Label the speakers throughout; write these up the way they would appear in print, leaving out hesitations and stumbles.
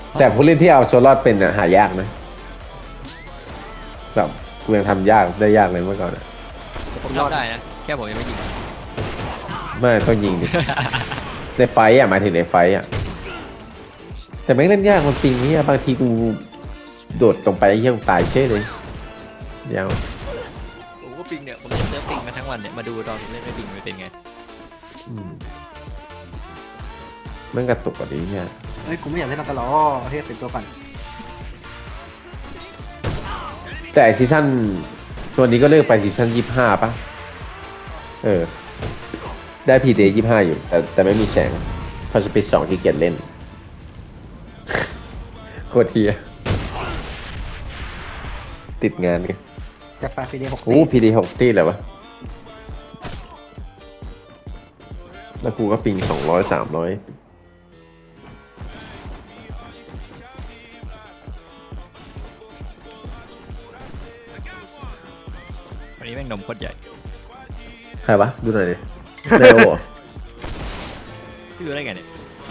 Speaker 1: แต่ผู้เล่นที่เอาโซลอดเป็นหายากนะแบบกูยังทำยากได้ยากเลยเมื่อก่อนอะ
Speaker 2: ผมทำได้นะแค่ผมยังไม่ยิง
Speaker 1: ไม่ต้องยิงดิ ในไฟต์หมายถึงในไฟต์แต่ไม่งเล่นยากมันปิงนี้บางทีกูโดดลงไปไอ้เหี้ยกูตายเช่เลยยาว
Speaker 2: ผมก็ปิงเนี่ยผมเล่นเซิร์ฟปิงมาทั้งวันเนี่ยมาดูตอนผมเล่นไม่ปิงมันเป็นไง
Speaker 1: มันกระตุกกว่านี้เนี่ย
Speaker 3: เฮ้ยกูไม่อยากเล่นมันกันหรอเฮ้ยเป็นตัวปั่น
Speaker 1: แต่ซีซั่นตัวนี้ก็เลิกไปซีซั่น25ป่ะได้พีเดย์25อยู่แต่ไม่มีแสงพอสปีด2ที่เกียจเล่น โคตรเทียติดงานไง
Speaker 3: จะฟาฟีเดย์6
Speaker 1: โอ้พีเดย์6ตีเลยวะแล้วกูก็ปิง200-300
Speaker 2: วันนี้แม่งนมโคตรใหญ่
Speaker 1: ใครวะ ดูหน่อยดิแมวเหรอ
Speaker 2: พี่ดูได้ไงเนี่ย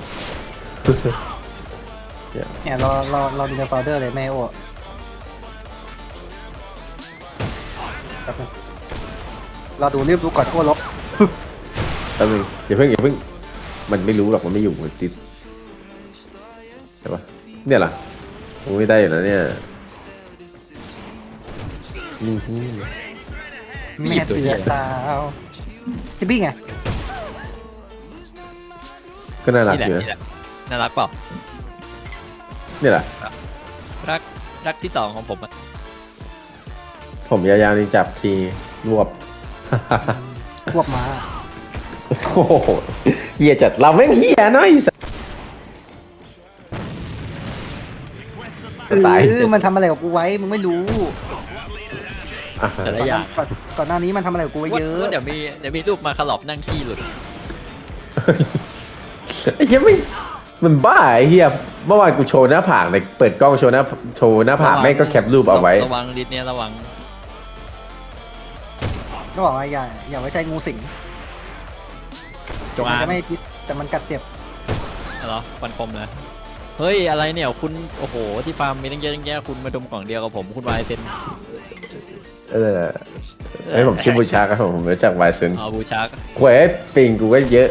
Speaker 3: เนี่ยรอดูในโฟลเดอร์เลยแม่โอ้แป๊บนึงเราดูรีบดูก่อนโอ้ลบ
Speaker 1: แป๊บนึงอย่าเพิ่งมันไม่รู้หรอกมันไม่อยู่มันติดใช่ปะเนี่ยเหรอโอ้ยได้อยู่นะเนี่ยนี่
Speaker 3: แม่เตือนตาวที่บี้ไง
Speaker 1: ก็น่ารัก
Speaker 2: นี่แห
Speaker 1: อ
Speaker 2: ละ
Speaker 1: ยู่
Speaker 2: นี่แห
Speaker 1: นะ
Speaker 2: ละน่ารักเปล่า
Speaker 1: เนี่ยแหละ
Speaker 2: รักที่สองของผมอะ
Speaker 1: ผมยาวๆนี่จับทีรวบ
Speaker 3: พวกม้า
Speaker 1: โอ้โหเหี้ยจัดเราแม่งเหี้ยน้อยสัสตาย
Speaker 3: มันทำอะไรกับกูไว้มึงไม่รู้
Speaker 1: อ่ะ
Speaker 2: แต่ละอย่าง
Speaker 3: ก่อนหน้านี้มันทำอะไรกับกูไว้เยอะ
Speaker 2: ว่าเดี๋ยวมีรูปมาขลอบนั่งขี้หลุด
Speaker 1: ไอ้เหี้ยไม่มันบ้าไอ้เหี้ยเมื่อวานกูโชว์หน้าผากเลยเปิดกล้องโชว์หน้าผากแม่งก็แคปรูปเอาไว้
Speaker 2: ระวังดิสเนี่ยระวัง
Speaker 3: ก็บอกว่าอย่าไว้ใจงูสิง
Speaker 2: จง
Speaker 3: มัน
Speaker 2: อาง
Speaker 3: จะไม่พิษแต่มันกัดเจ็บ
Speaker 2: เหรอฟันคมนะเฮ้ยอะไรเนี่ยคุณโอ้โหที่ฟาร์มมีตั้งเยอะตั้งแยะคุณมาดมกล่องเดียวกับผมคุณวายเซน
Speaker 1: ไอ้ยผมชื่อบูชาครับผมรู้จักไวซึน
Speaker 2: เอาบูชาร์ก
Speaker 1: หวยปิงกูก็เยอะ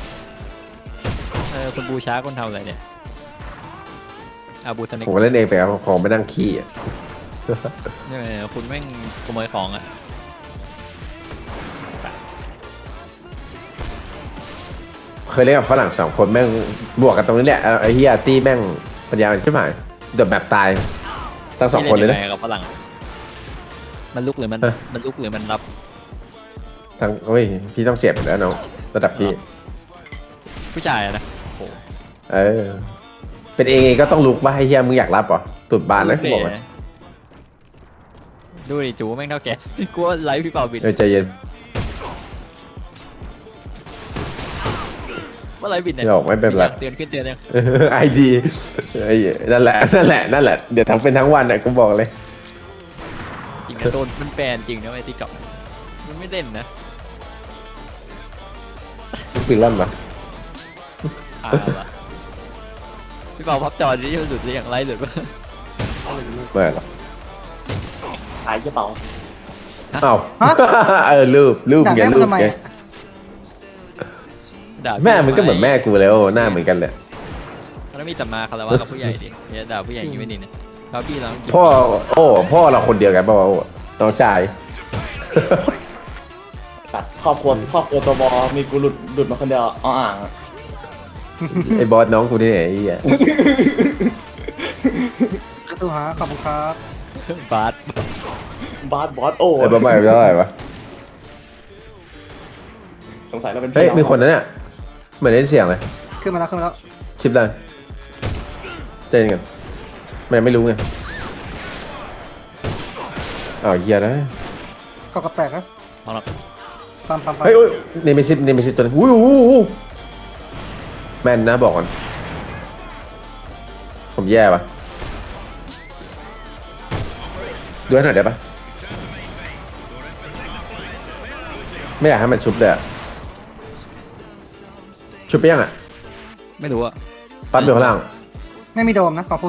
Speaker 2: คุณบูชาร์กคนทำอะไรเนี่ยอาบูทนิก
Speaker 1: ผมก็เล่นเองไปครับของไม่นั่งขี้อ่ะ
Speaker 2: เนี่ยคุณแม่งขโมยของอ่ะ
Speaker 1: เคยเล่นกับฝรั่ง2 คนแม่งบวกกันตรงนี้แหละไอ้เฮียตี้แม่งปัญญาใช่ไหมเดือดแบบตายตั้ง2 คนเลยนะ
Speaker 2: พี่นงไงกับฝรั่งอะมันลุกหรือมัน
Speaker 1: ฮะ
Speaker 2: มันลุกหรือมันรับ
Speaker 1: ทั้งโอ้ยพี่ต้องเสียบอยู่แล้วน้องระดับพี่
Speaker 2: ผู้ชายอะนะโอ้โห
Speaker 1: เออเป็นเองก็ต้องลุกว่าให้เฮียมึงอยากรับเหรอตุดบานนะกูบอกเลย
Speaker 2: ดูดิจูแม่งเท่าแก กลัวไลฟ์พี่เป่าบิด
Speaker 1: ใจเย็น
Speaker 2: ว่าไลฟ์บิดเนี่ย
Speaker 1: ไม่ออกไม่เป็นไร
Speaker 2: เตือนขึ้นเตือนยัง
Speaker 1: ไอดีนั่นแหละเดี๋ยวทั้งเป็นทั้งวันอ่ะกูบอกเลย
Speaker 2: จริงนะโดนมันแบนจริงนะไอ้ติ๊กต็อกมันไม่เล่นนะ
Speaker 1: ปืนลั่นปะ
Speaker 2: วะพี่เป่าพับจอที่หลุดหรือยังไลฟ์หลุดปะ
Speaker 1: เมื่อหรอ
Speaker 4: ขายกระเป๋า
Speaker 1: เอ้ารูป
Speaker 3: ด่า
Speaker 1: ไง
Speaker 3: แม่
Speaker 1: รู
Speaker 3: มึง
Speaker 1: ป
Speaker 3: ทำไม
Speaker 1: ไง
Speaker 3: อะ
Speaker 2: ด่า
Speaker 1: แม่มันก็เหมือนแม่กูแล้วหน้าเหมือนกันแหละ
Speaker 2: แล้วมีแต่มาคารวะกับผู้ใหญ่ดิเนี่ยด่าผู้ใหญ่อยังไม่ดีเนี่ยแล้วพี่เรา
Speaker 1: พ่อเราคนเดียวกันป่าวะน้องชาย
Speaker 4: ตัดครอบครัวตัวบอมีกูหลุดมาคนเดียวอ้ออ่างอะ
Speaker 1: ไอ้บอสน้องกูนี่ไอ้เหี้ย
Speaker 3: กระตูฮะขอบคุณครับ
Speaker 2: บาส
Speaker 4: บอสโอ้
Speaker 1: ไอ้บอสใหม่เท่าไหร่วะ
Speaker 4: สงสัยเราเป็น
Speaker 1: เฮ้ย
Speaker 4: พี่อง
Speaker 1: มีคนนั้นเนี่ยเหมือนได้เสียงเลย
Speaker 3: ขึ้นมาแล้ว
Speaker 1: ชิปเลยเจนกันมันยังไม่รู้ไงอ้าวเหี้ยนะ
Speaker 3: ก็กระแตกนะ
Speaker 2: เอาละ
Speaker 3: ปั๊ม
Speaker 1: เฮ้ยเนมิซิสตัวนี้อู้แม่นนะบอกก่อนผมแย่ปะดูให้หน่อยได้ปะไม่อยากให้มันชุบเลยอะชุบไปยังอ่ะ
Speaker 2: ไม่รู้อะ
Speaker 1: ปั๊บอยู่ข้างล่าง
Speaker 3: ไม่มีโดมนะของฟู